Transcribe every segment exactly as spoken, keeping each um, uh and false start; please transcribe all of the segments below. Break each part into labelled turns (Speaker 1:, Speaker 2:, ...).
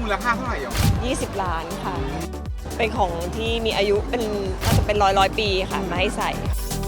Speaker 1: มูลค่าเท่าไหร่อ่ะ
Speaker 2: ยี่สิบล้านค่ะเป็นของที่มีอายุเป็นน่าจะเป็นร้อยร้อยปีค่ะมาให้ใส่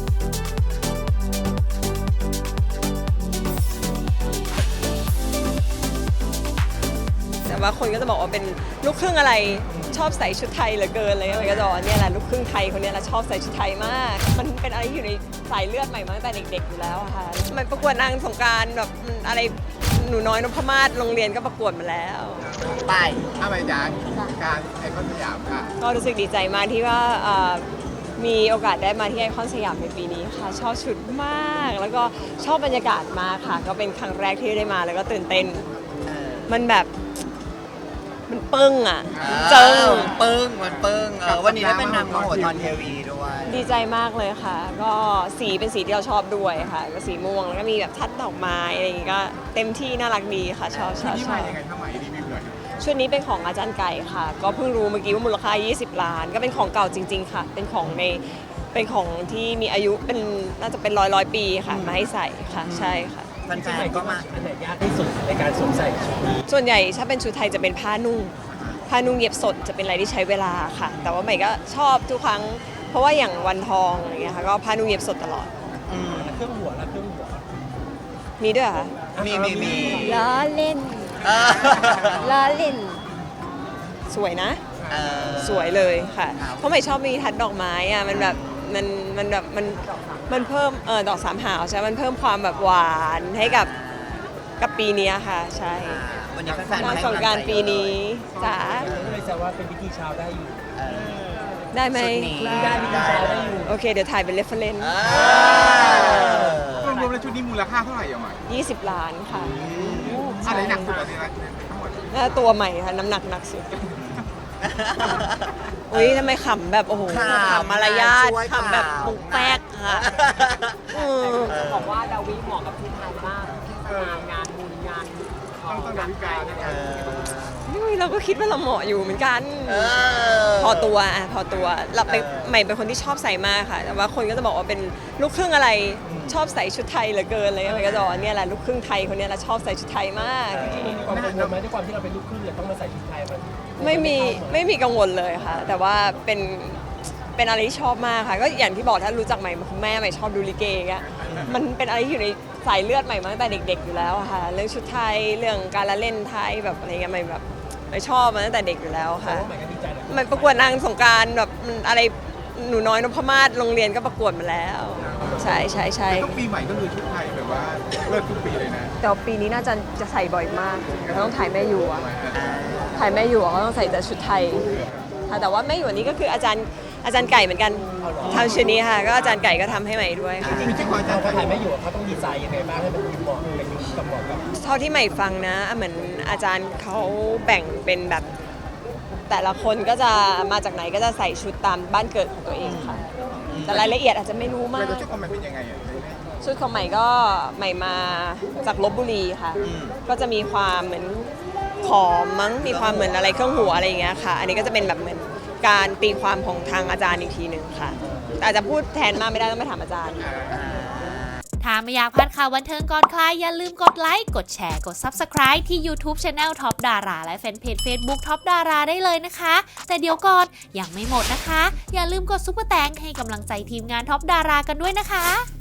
Speaker 2: แต่ว่าคนก็จะบอกว่าเป็นลูกครึ่งอะไรชอบใส่ชุดไทยเหลือเกินอะไรเลยก็จะบอกเนี่ยแหละลูกครึ่งไทยคนนี้แหละชอบใส่ชุดไทยมากมันเป็นอะไรที่อยู่ในสายเลือดใหม่มาตั้งแต่เด็กๆอยู่แล้วอะค่ะมันประกวดนางสงกรานต์แบบอะไรหนูน้อยนพมาศโรงเรียนก็ประกวดมาแล้ว
Speaker 3: ไป
Speaker 1: ถ้าไปจากการไอคอนสยามค่ะ
Speaker 2: ก็รู้สึกดีใจมากที่ว่ามีโอกาสได้มาที่ไอคอนสยามในปีนี้ค่ะชอบชุดมากแล้วก็ชอบบรรยากาศมากค่ะก็เป็นครั้งแรกที่ได้มาแล้วก็ตื่นเต้นมันแบบมันปึ้งอ่ะเจิง
Speaker 3: ปึ้งมันปึ้งวันนี้ได้เป็นนางมโหธรทีวีด้วย
Speaker 2: ดีใจมากเลยค่ะก็สีเป็นสีที่เราชอบด้วยค่ะก็สีม่วงแล้วก็มีแบบทัดดอกไม้อะไรอย่างงี้ก็เต็มที่น่ารักดีค่ะชอบชอบชอบชุดนี้เป็นของอาจารย์ไก่ค่ะก็เพิ่งรู้เมื่อกี้ว่ามูลค่ายี่สิบล้านก็เป็นของเก่าจริงๆค่ะเป็นของในเป็นของที่มีอายุเป็นน่าจะเป็นร้อยร้อยปีค่ะมาให้ใส่ค่ะใช่ค่ะ
Speaker 3: แฟนๆก็มา
Speaker 4: อันไหนยากที่สุดในการสวมใส่ชุดนี้
Speaker 2: ส่วนใหญ่ถ้าเป็นชุดไทยจะเป็นผ้านุ่งผ้านุ่งเย็บสดจะเป็นอะไรที่ใช้เวลาค่ะแต่ว่าใหม่ก็ชอบทุกครั้งเพราะว่าอย่างวันทองอะไรเงี้ยค่ะก็ผ้านุ่งเย็บสดตลอด
Speaker 4: เครื่องหัวและเครื่องหัว
Speaker 2: มีด้วยค่ะ
Speaker 3: มีมีมี
Speaker 2: ล้อเล่นล้อเล่นสวยนะสวยเลยค่ะเพราะใหม่ชอบมีทัดดอกไม้อ่ะมันแบบมันมันแบบมันมันเพิ่มเออดอกสามหาวใช่มันเพิ่มความแบบหวานให้กับกับปีนี้ค่ะใช่
Speaker 3: วันนี้แฟนๆ
Speaker 2: นาง
Speaker 3: ให้
Speaker 2: สงกรานต์ปีนี้จ๋า
Speaker 4: ก็เลยแซวว่าเป็นพิธีเช้าได้อยู่
Speaker 2: ได้ไหม
Speaker 4: ได้พิธีเช้าได้อยู่
Speaker 2: โอเคเดี๋ยวถ่ายเป็นเรฟเฟรนซ์
Speaker 1: รวมๆแล้วชุดนี้มูลค่าเท่าไหร่อ่ะหมาย
Speaker 2: ยี่สิบล้านค่ะ
Speaker 1: อะไรหนักสุดอะไรทั้งหมด
Speaker 2: แล้วตัวใหม่ค่ะน้ำหนักหนักสุดอุ้ยทำไมขำแบบโอ้โหขำมารยาทขำแบบปุกแป๊กค่ะบอกว่าดาวิเหมาะกับที่ไทยมากงานบุญงาน
Speaker 1: ต้องต้องดาวิกา
Speaker 2: นี่เราก็คิดว่าเราเหมาะอยู่เหมือนกันพอตัวอ่ะพอตัวเราเป็นใหม่เป็นคนที่ชอบใส่มากค่ะแต่ว่าคนก็จะบอกว่าเป็นลูกครึ่งอะไรชอบใส่ชุดไทยเหลือเกินอะไรเลยก็จะบอกเนี่ยแหละลูกครึ่งไทยคนนี้แหละชอบใส่ชุดไทยมาก
Speaker 4: มีความกังวลไหมด้วยความที่เราเป็นลูกครึ่งเลยต้องมาใส่ชุดไทยมัน
Speaker 2: ไม่มีไม่มีกังวลเลยค่ะแต่ว่าเป็นเป็นอะไรที่ชอบมากค่ะก็อย่างที่บอกถ้ารู้จักใหม่คุณแม่ใหม่ชอบดูลิเกอ่ะมันเป็นอะไรที่อยู่ในสายเลือดใหม่มาตั้งแต่เด็กๆอยู่แล้วค่ะเรื่องชุดไทยเรื่องการละเล่นไทยแบบอะไรเงี้ยใหม่แบบใหม่ชอบมาตั้งแต่เด็กอยู่แล้วค่ะใหม่ประกวดนางสงกรานต์แบบอะไรหนูน้อยนพมาศโรงเรียนก็ประกวดมาแล้วใช่ใช่ใช่
Speaker 1: ทุกปีใหม่ก็คือชุดไทยแบบว่าเลิศทุกปีเลยนะ
Speaker 2: แต่ปีนี้น่าจะจะใส่บ่อยมากต้องถ่ายแม่อยู่อะถ่ายแม่อยู่ก็ต้องใส่แต่ชุดไทยแต่ว่าแม่อยู่นี้ก็คืออาจารย์อาจารย์ไก่เหมือนกันทำชุดนี้ค่ะก็อาจารย์ไก่ก็ทำให้ใหม่ด้วย
Speaker 4: จริงๆอาจารย์เขาถ่ายแม่อยู่เขาต้องดีไซน์ยังไงบ้างให้มันเหมาะเป็นยุคกับเหมาะกับ
Speaker 2: เท่าที่ใหม่ฟังนะเหมือนอาจารย์เขาแบ่งเป็นแบบแต่ละคนก็จะมาจากไหนก็จะใส่ชุดตามบ้านเกิดของตัวเองค่ะแต่รายละเอียดอาจจะไม่รู้มาก
Speaker 1: ชุดของใหม่เป็นยังไง
Speaker 2: ชุดของใหม่ก็ใหม่มาจากลพบุรีค่ะก็จะมีความเหมือนขอมมั้งมีความเหมือนอะไรเครื่องหัวอะไรอย่างเงี้ยค่ะอันนี้ก็จะเป็นแบบเหมือนการตีความของทางอาจารย์อีกทีหนึ่งค่ะแต่อาจจะพูดแทนมากไม่ได้ต้องไปถามอาจารย์
Speaker 5: ถ้าไม่อยากพลาดข่าวบันเทิงก่อนใครอย่าลืมกดไลค์กดแชร์กด ซับสไครบ์ ที่ YouTube Channel Top Dara และแฟนเพจ Facebook Top Dara ได้เลยนะคะแต่เดี๋ยวก่อนยังไม่หมดนะคะอย่าลืมกดซุปเปอร์แตงให้กำลังใจทีมงาน Top Dara กันด้วยนะคะ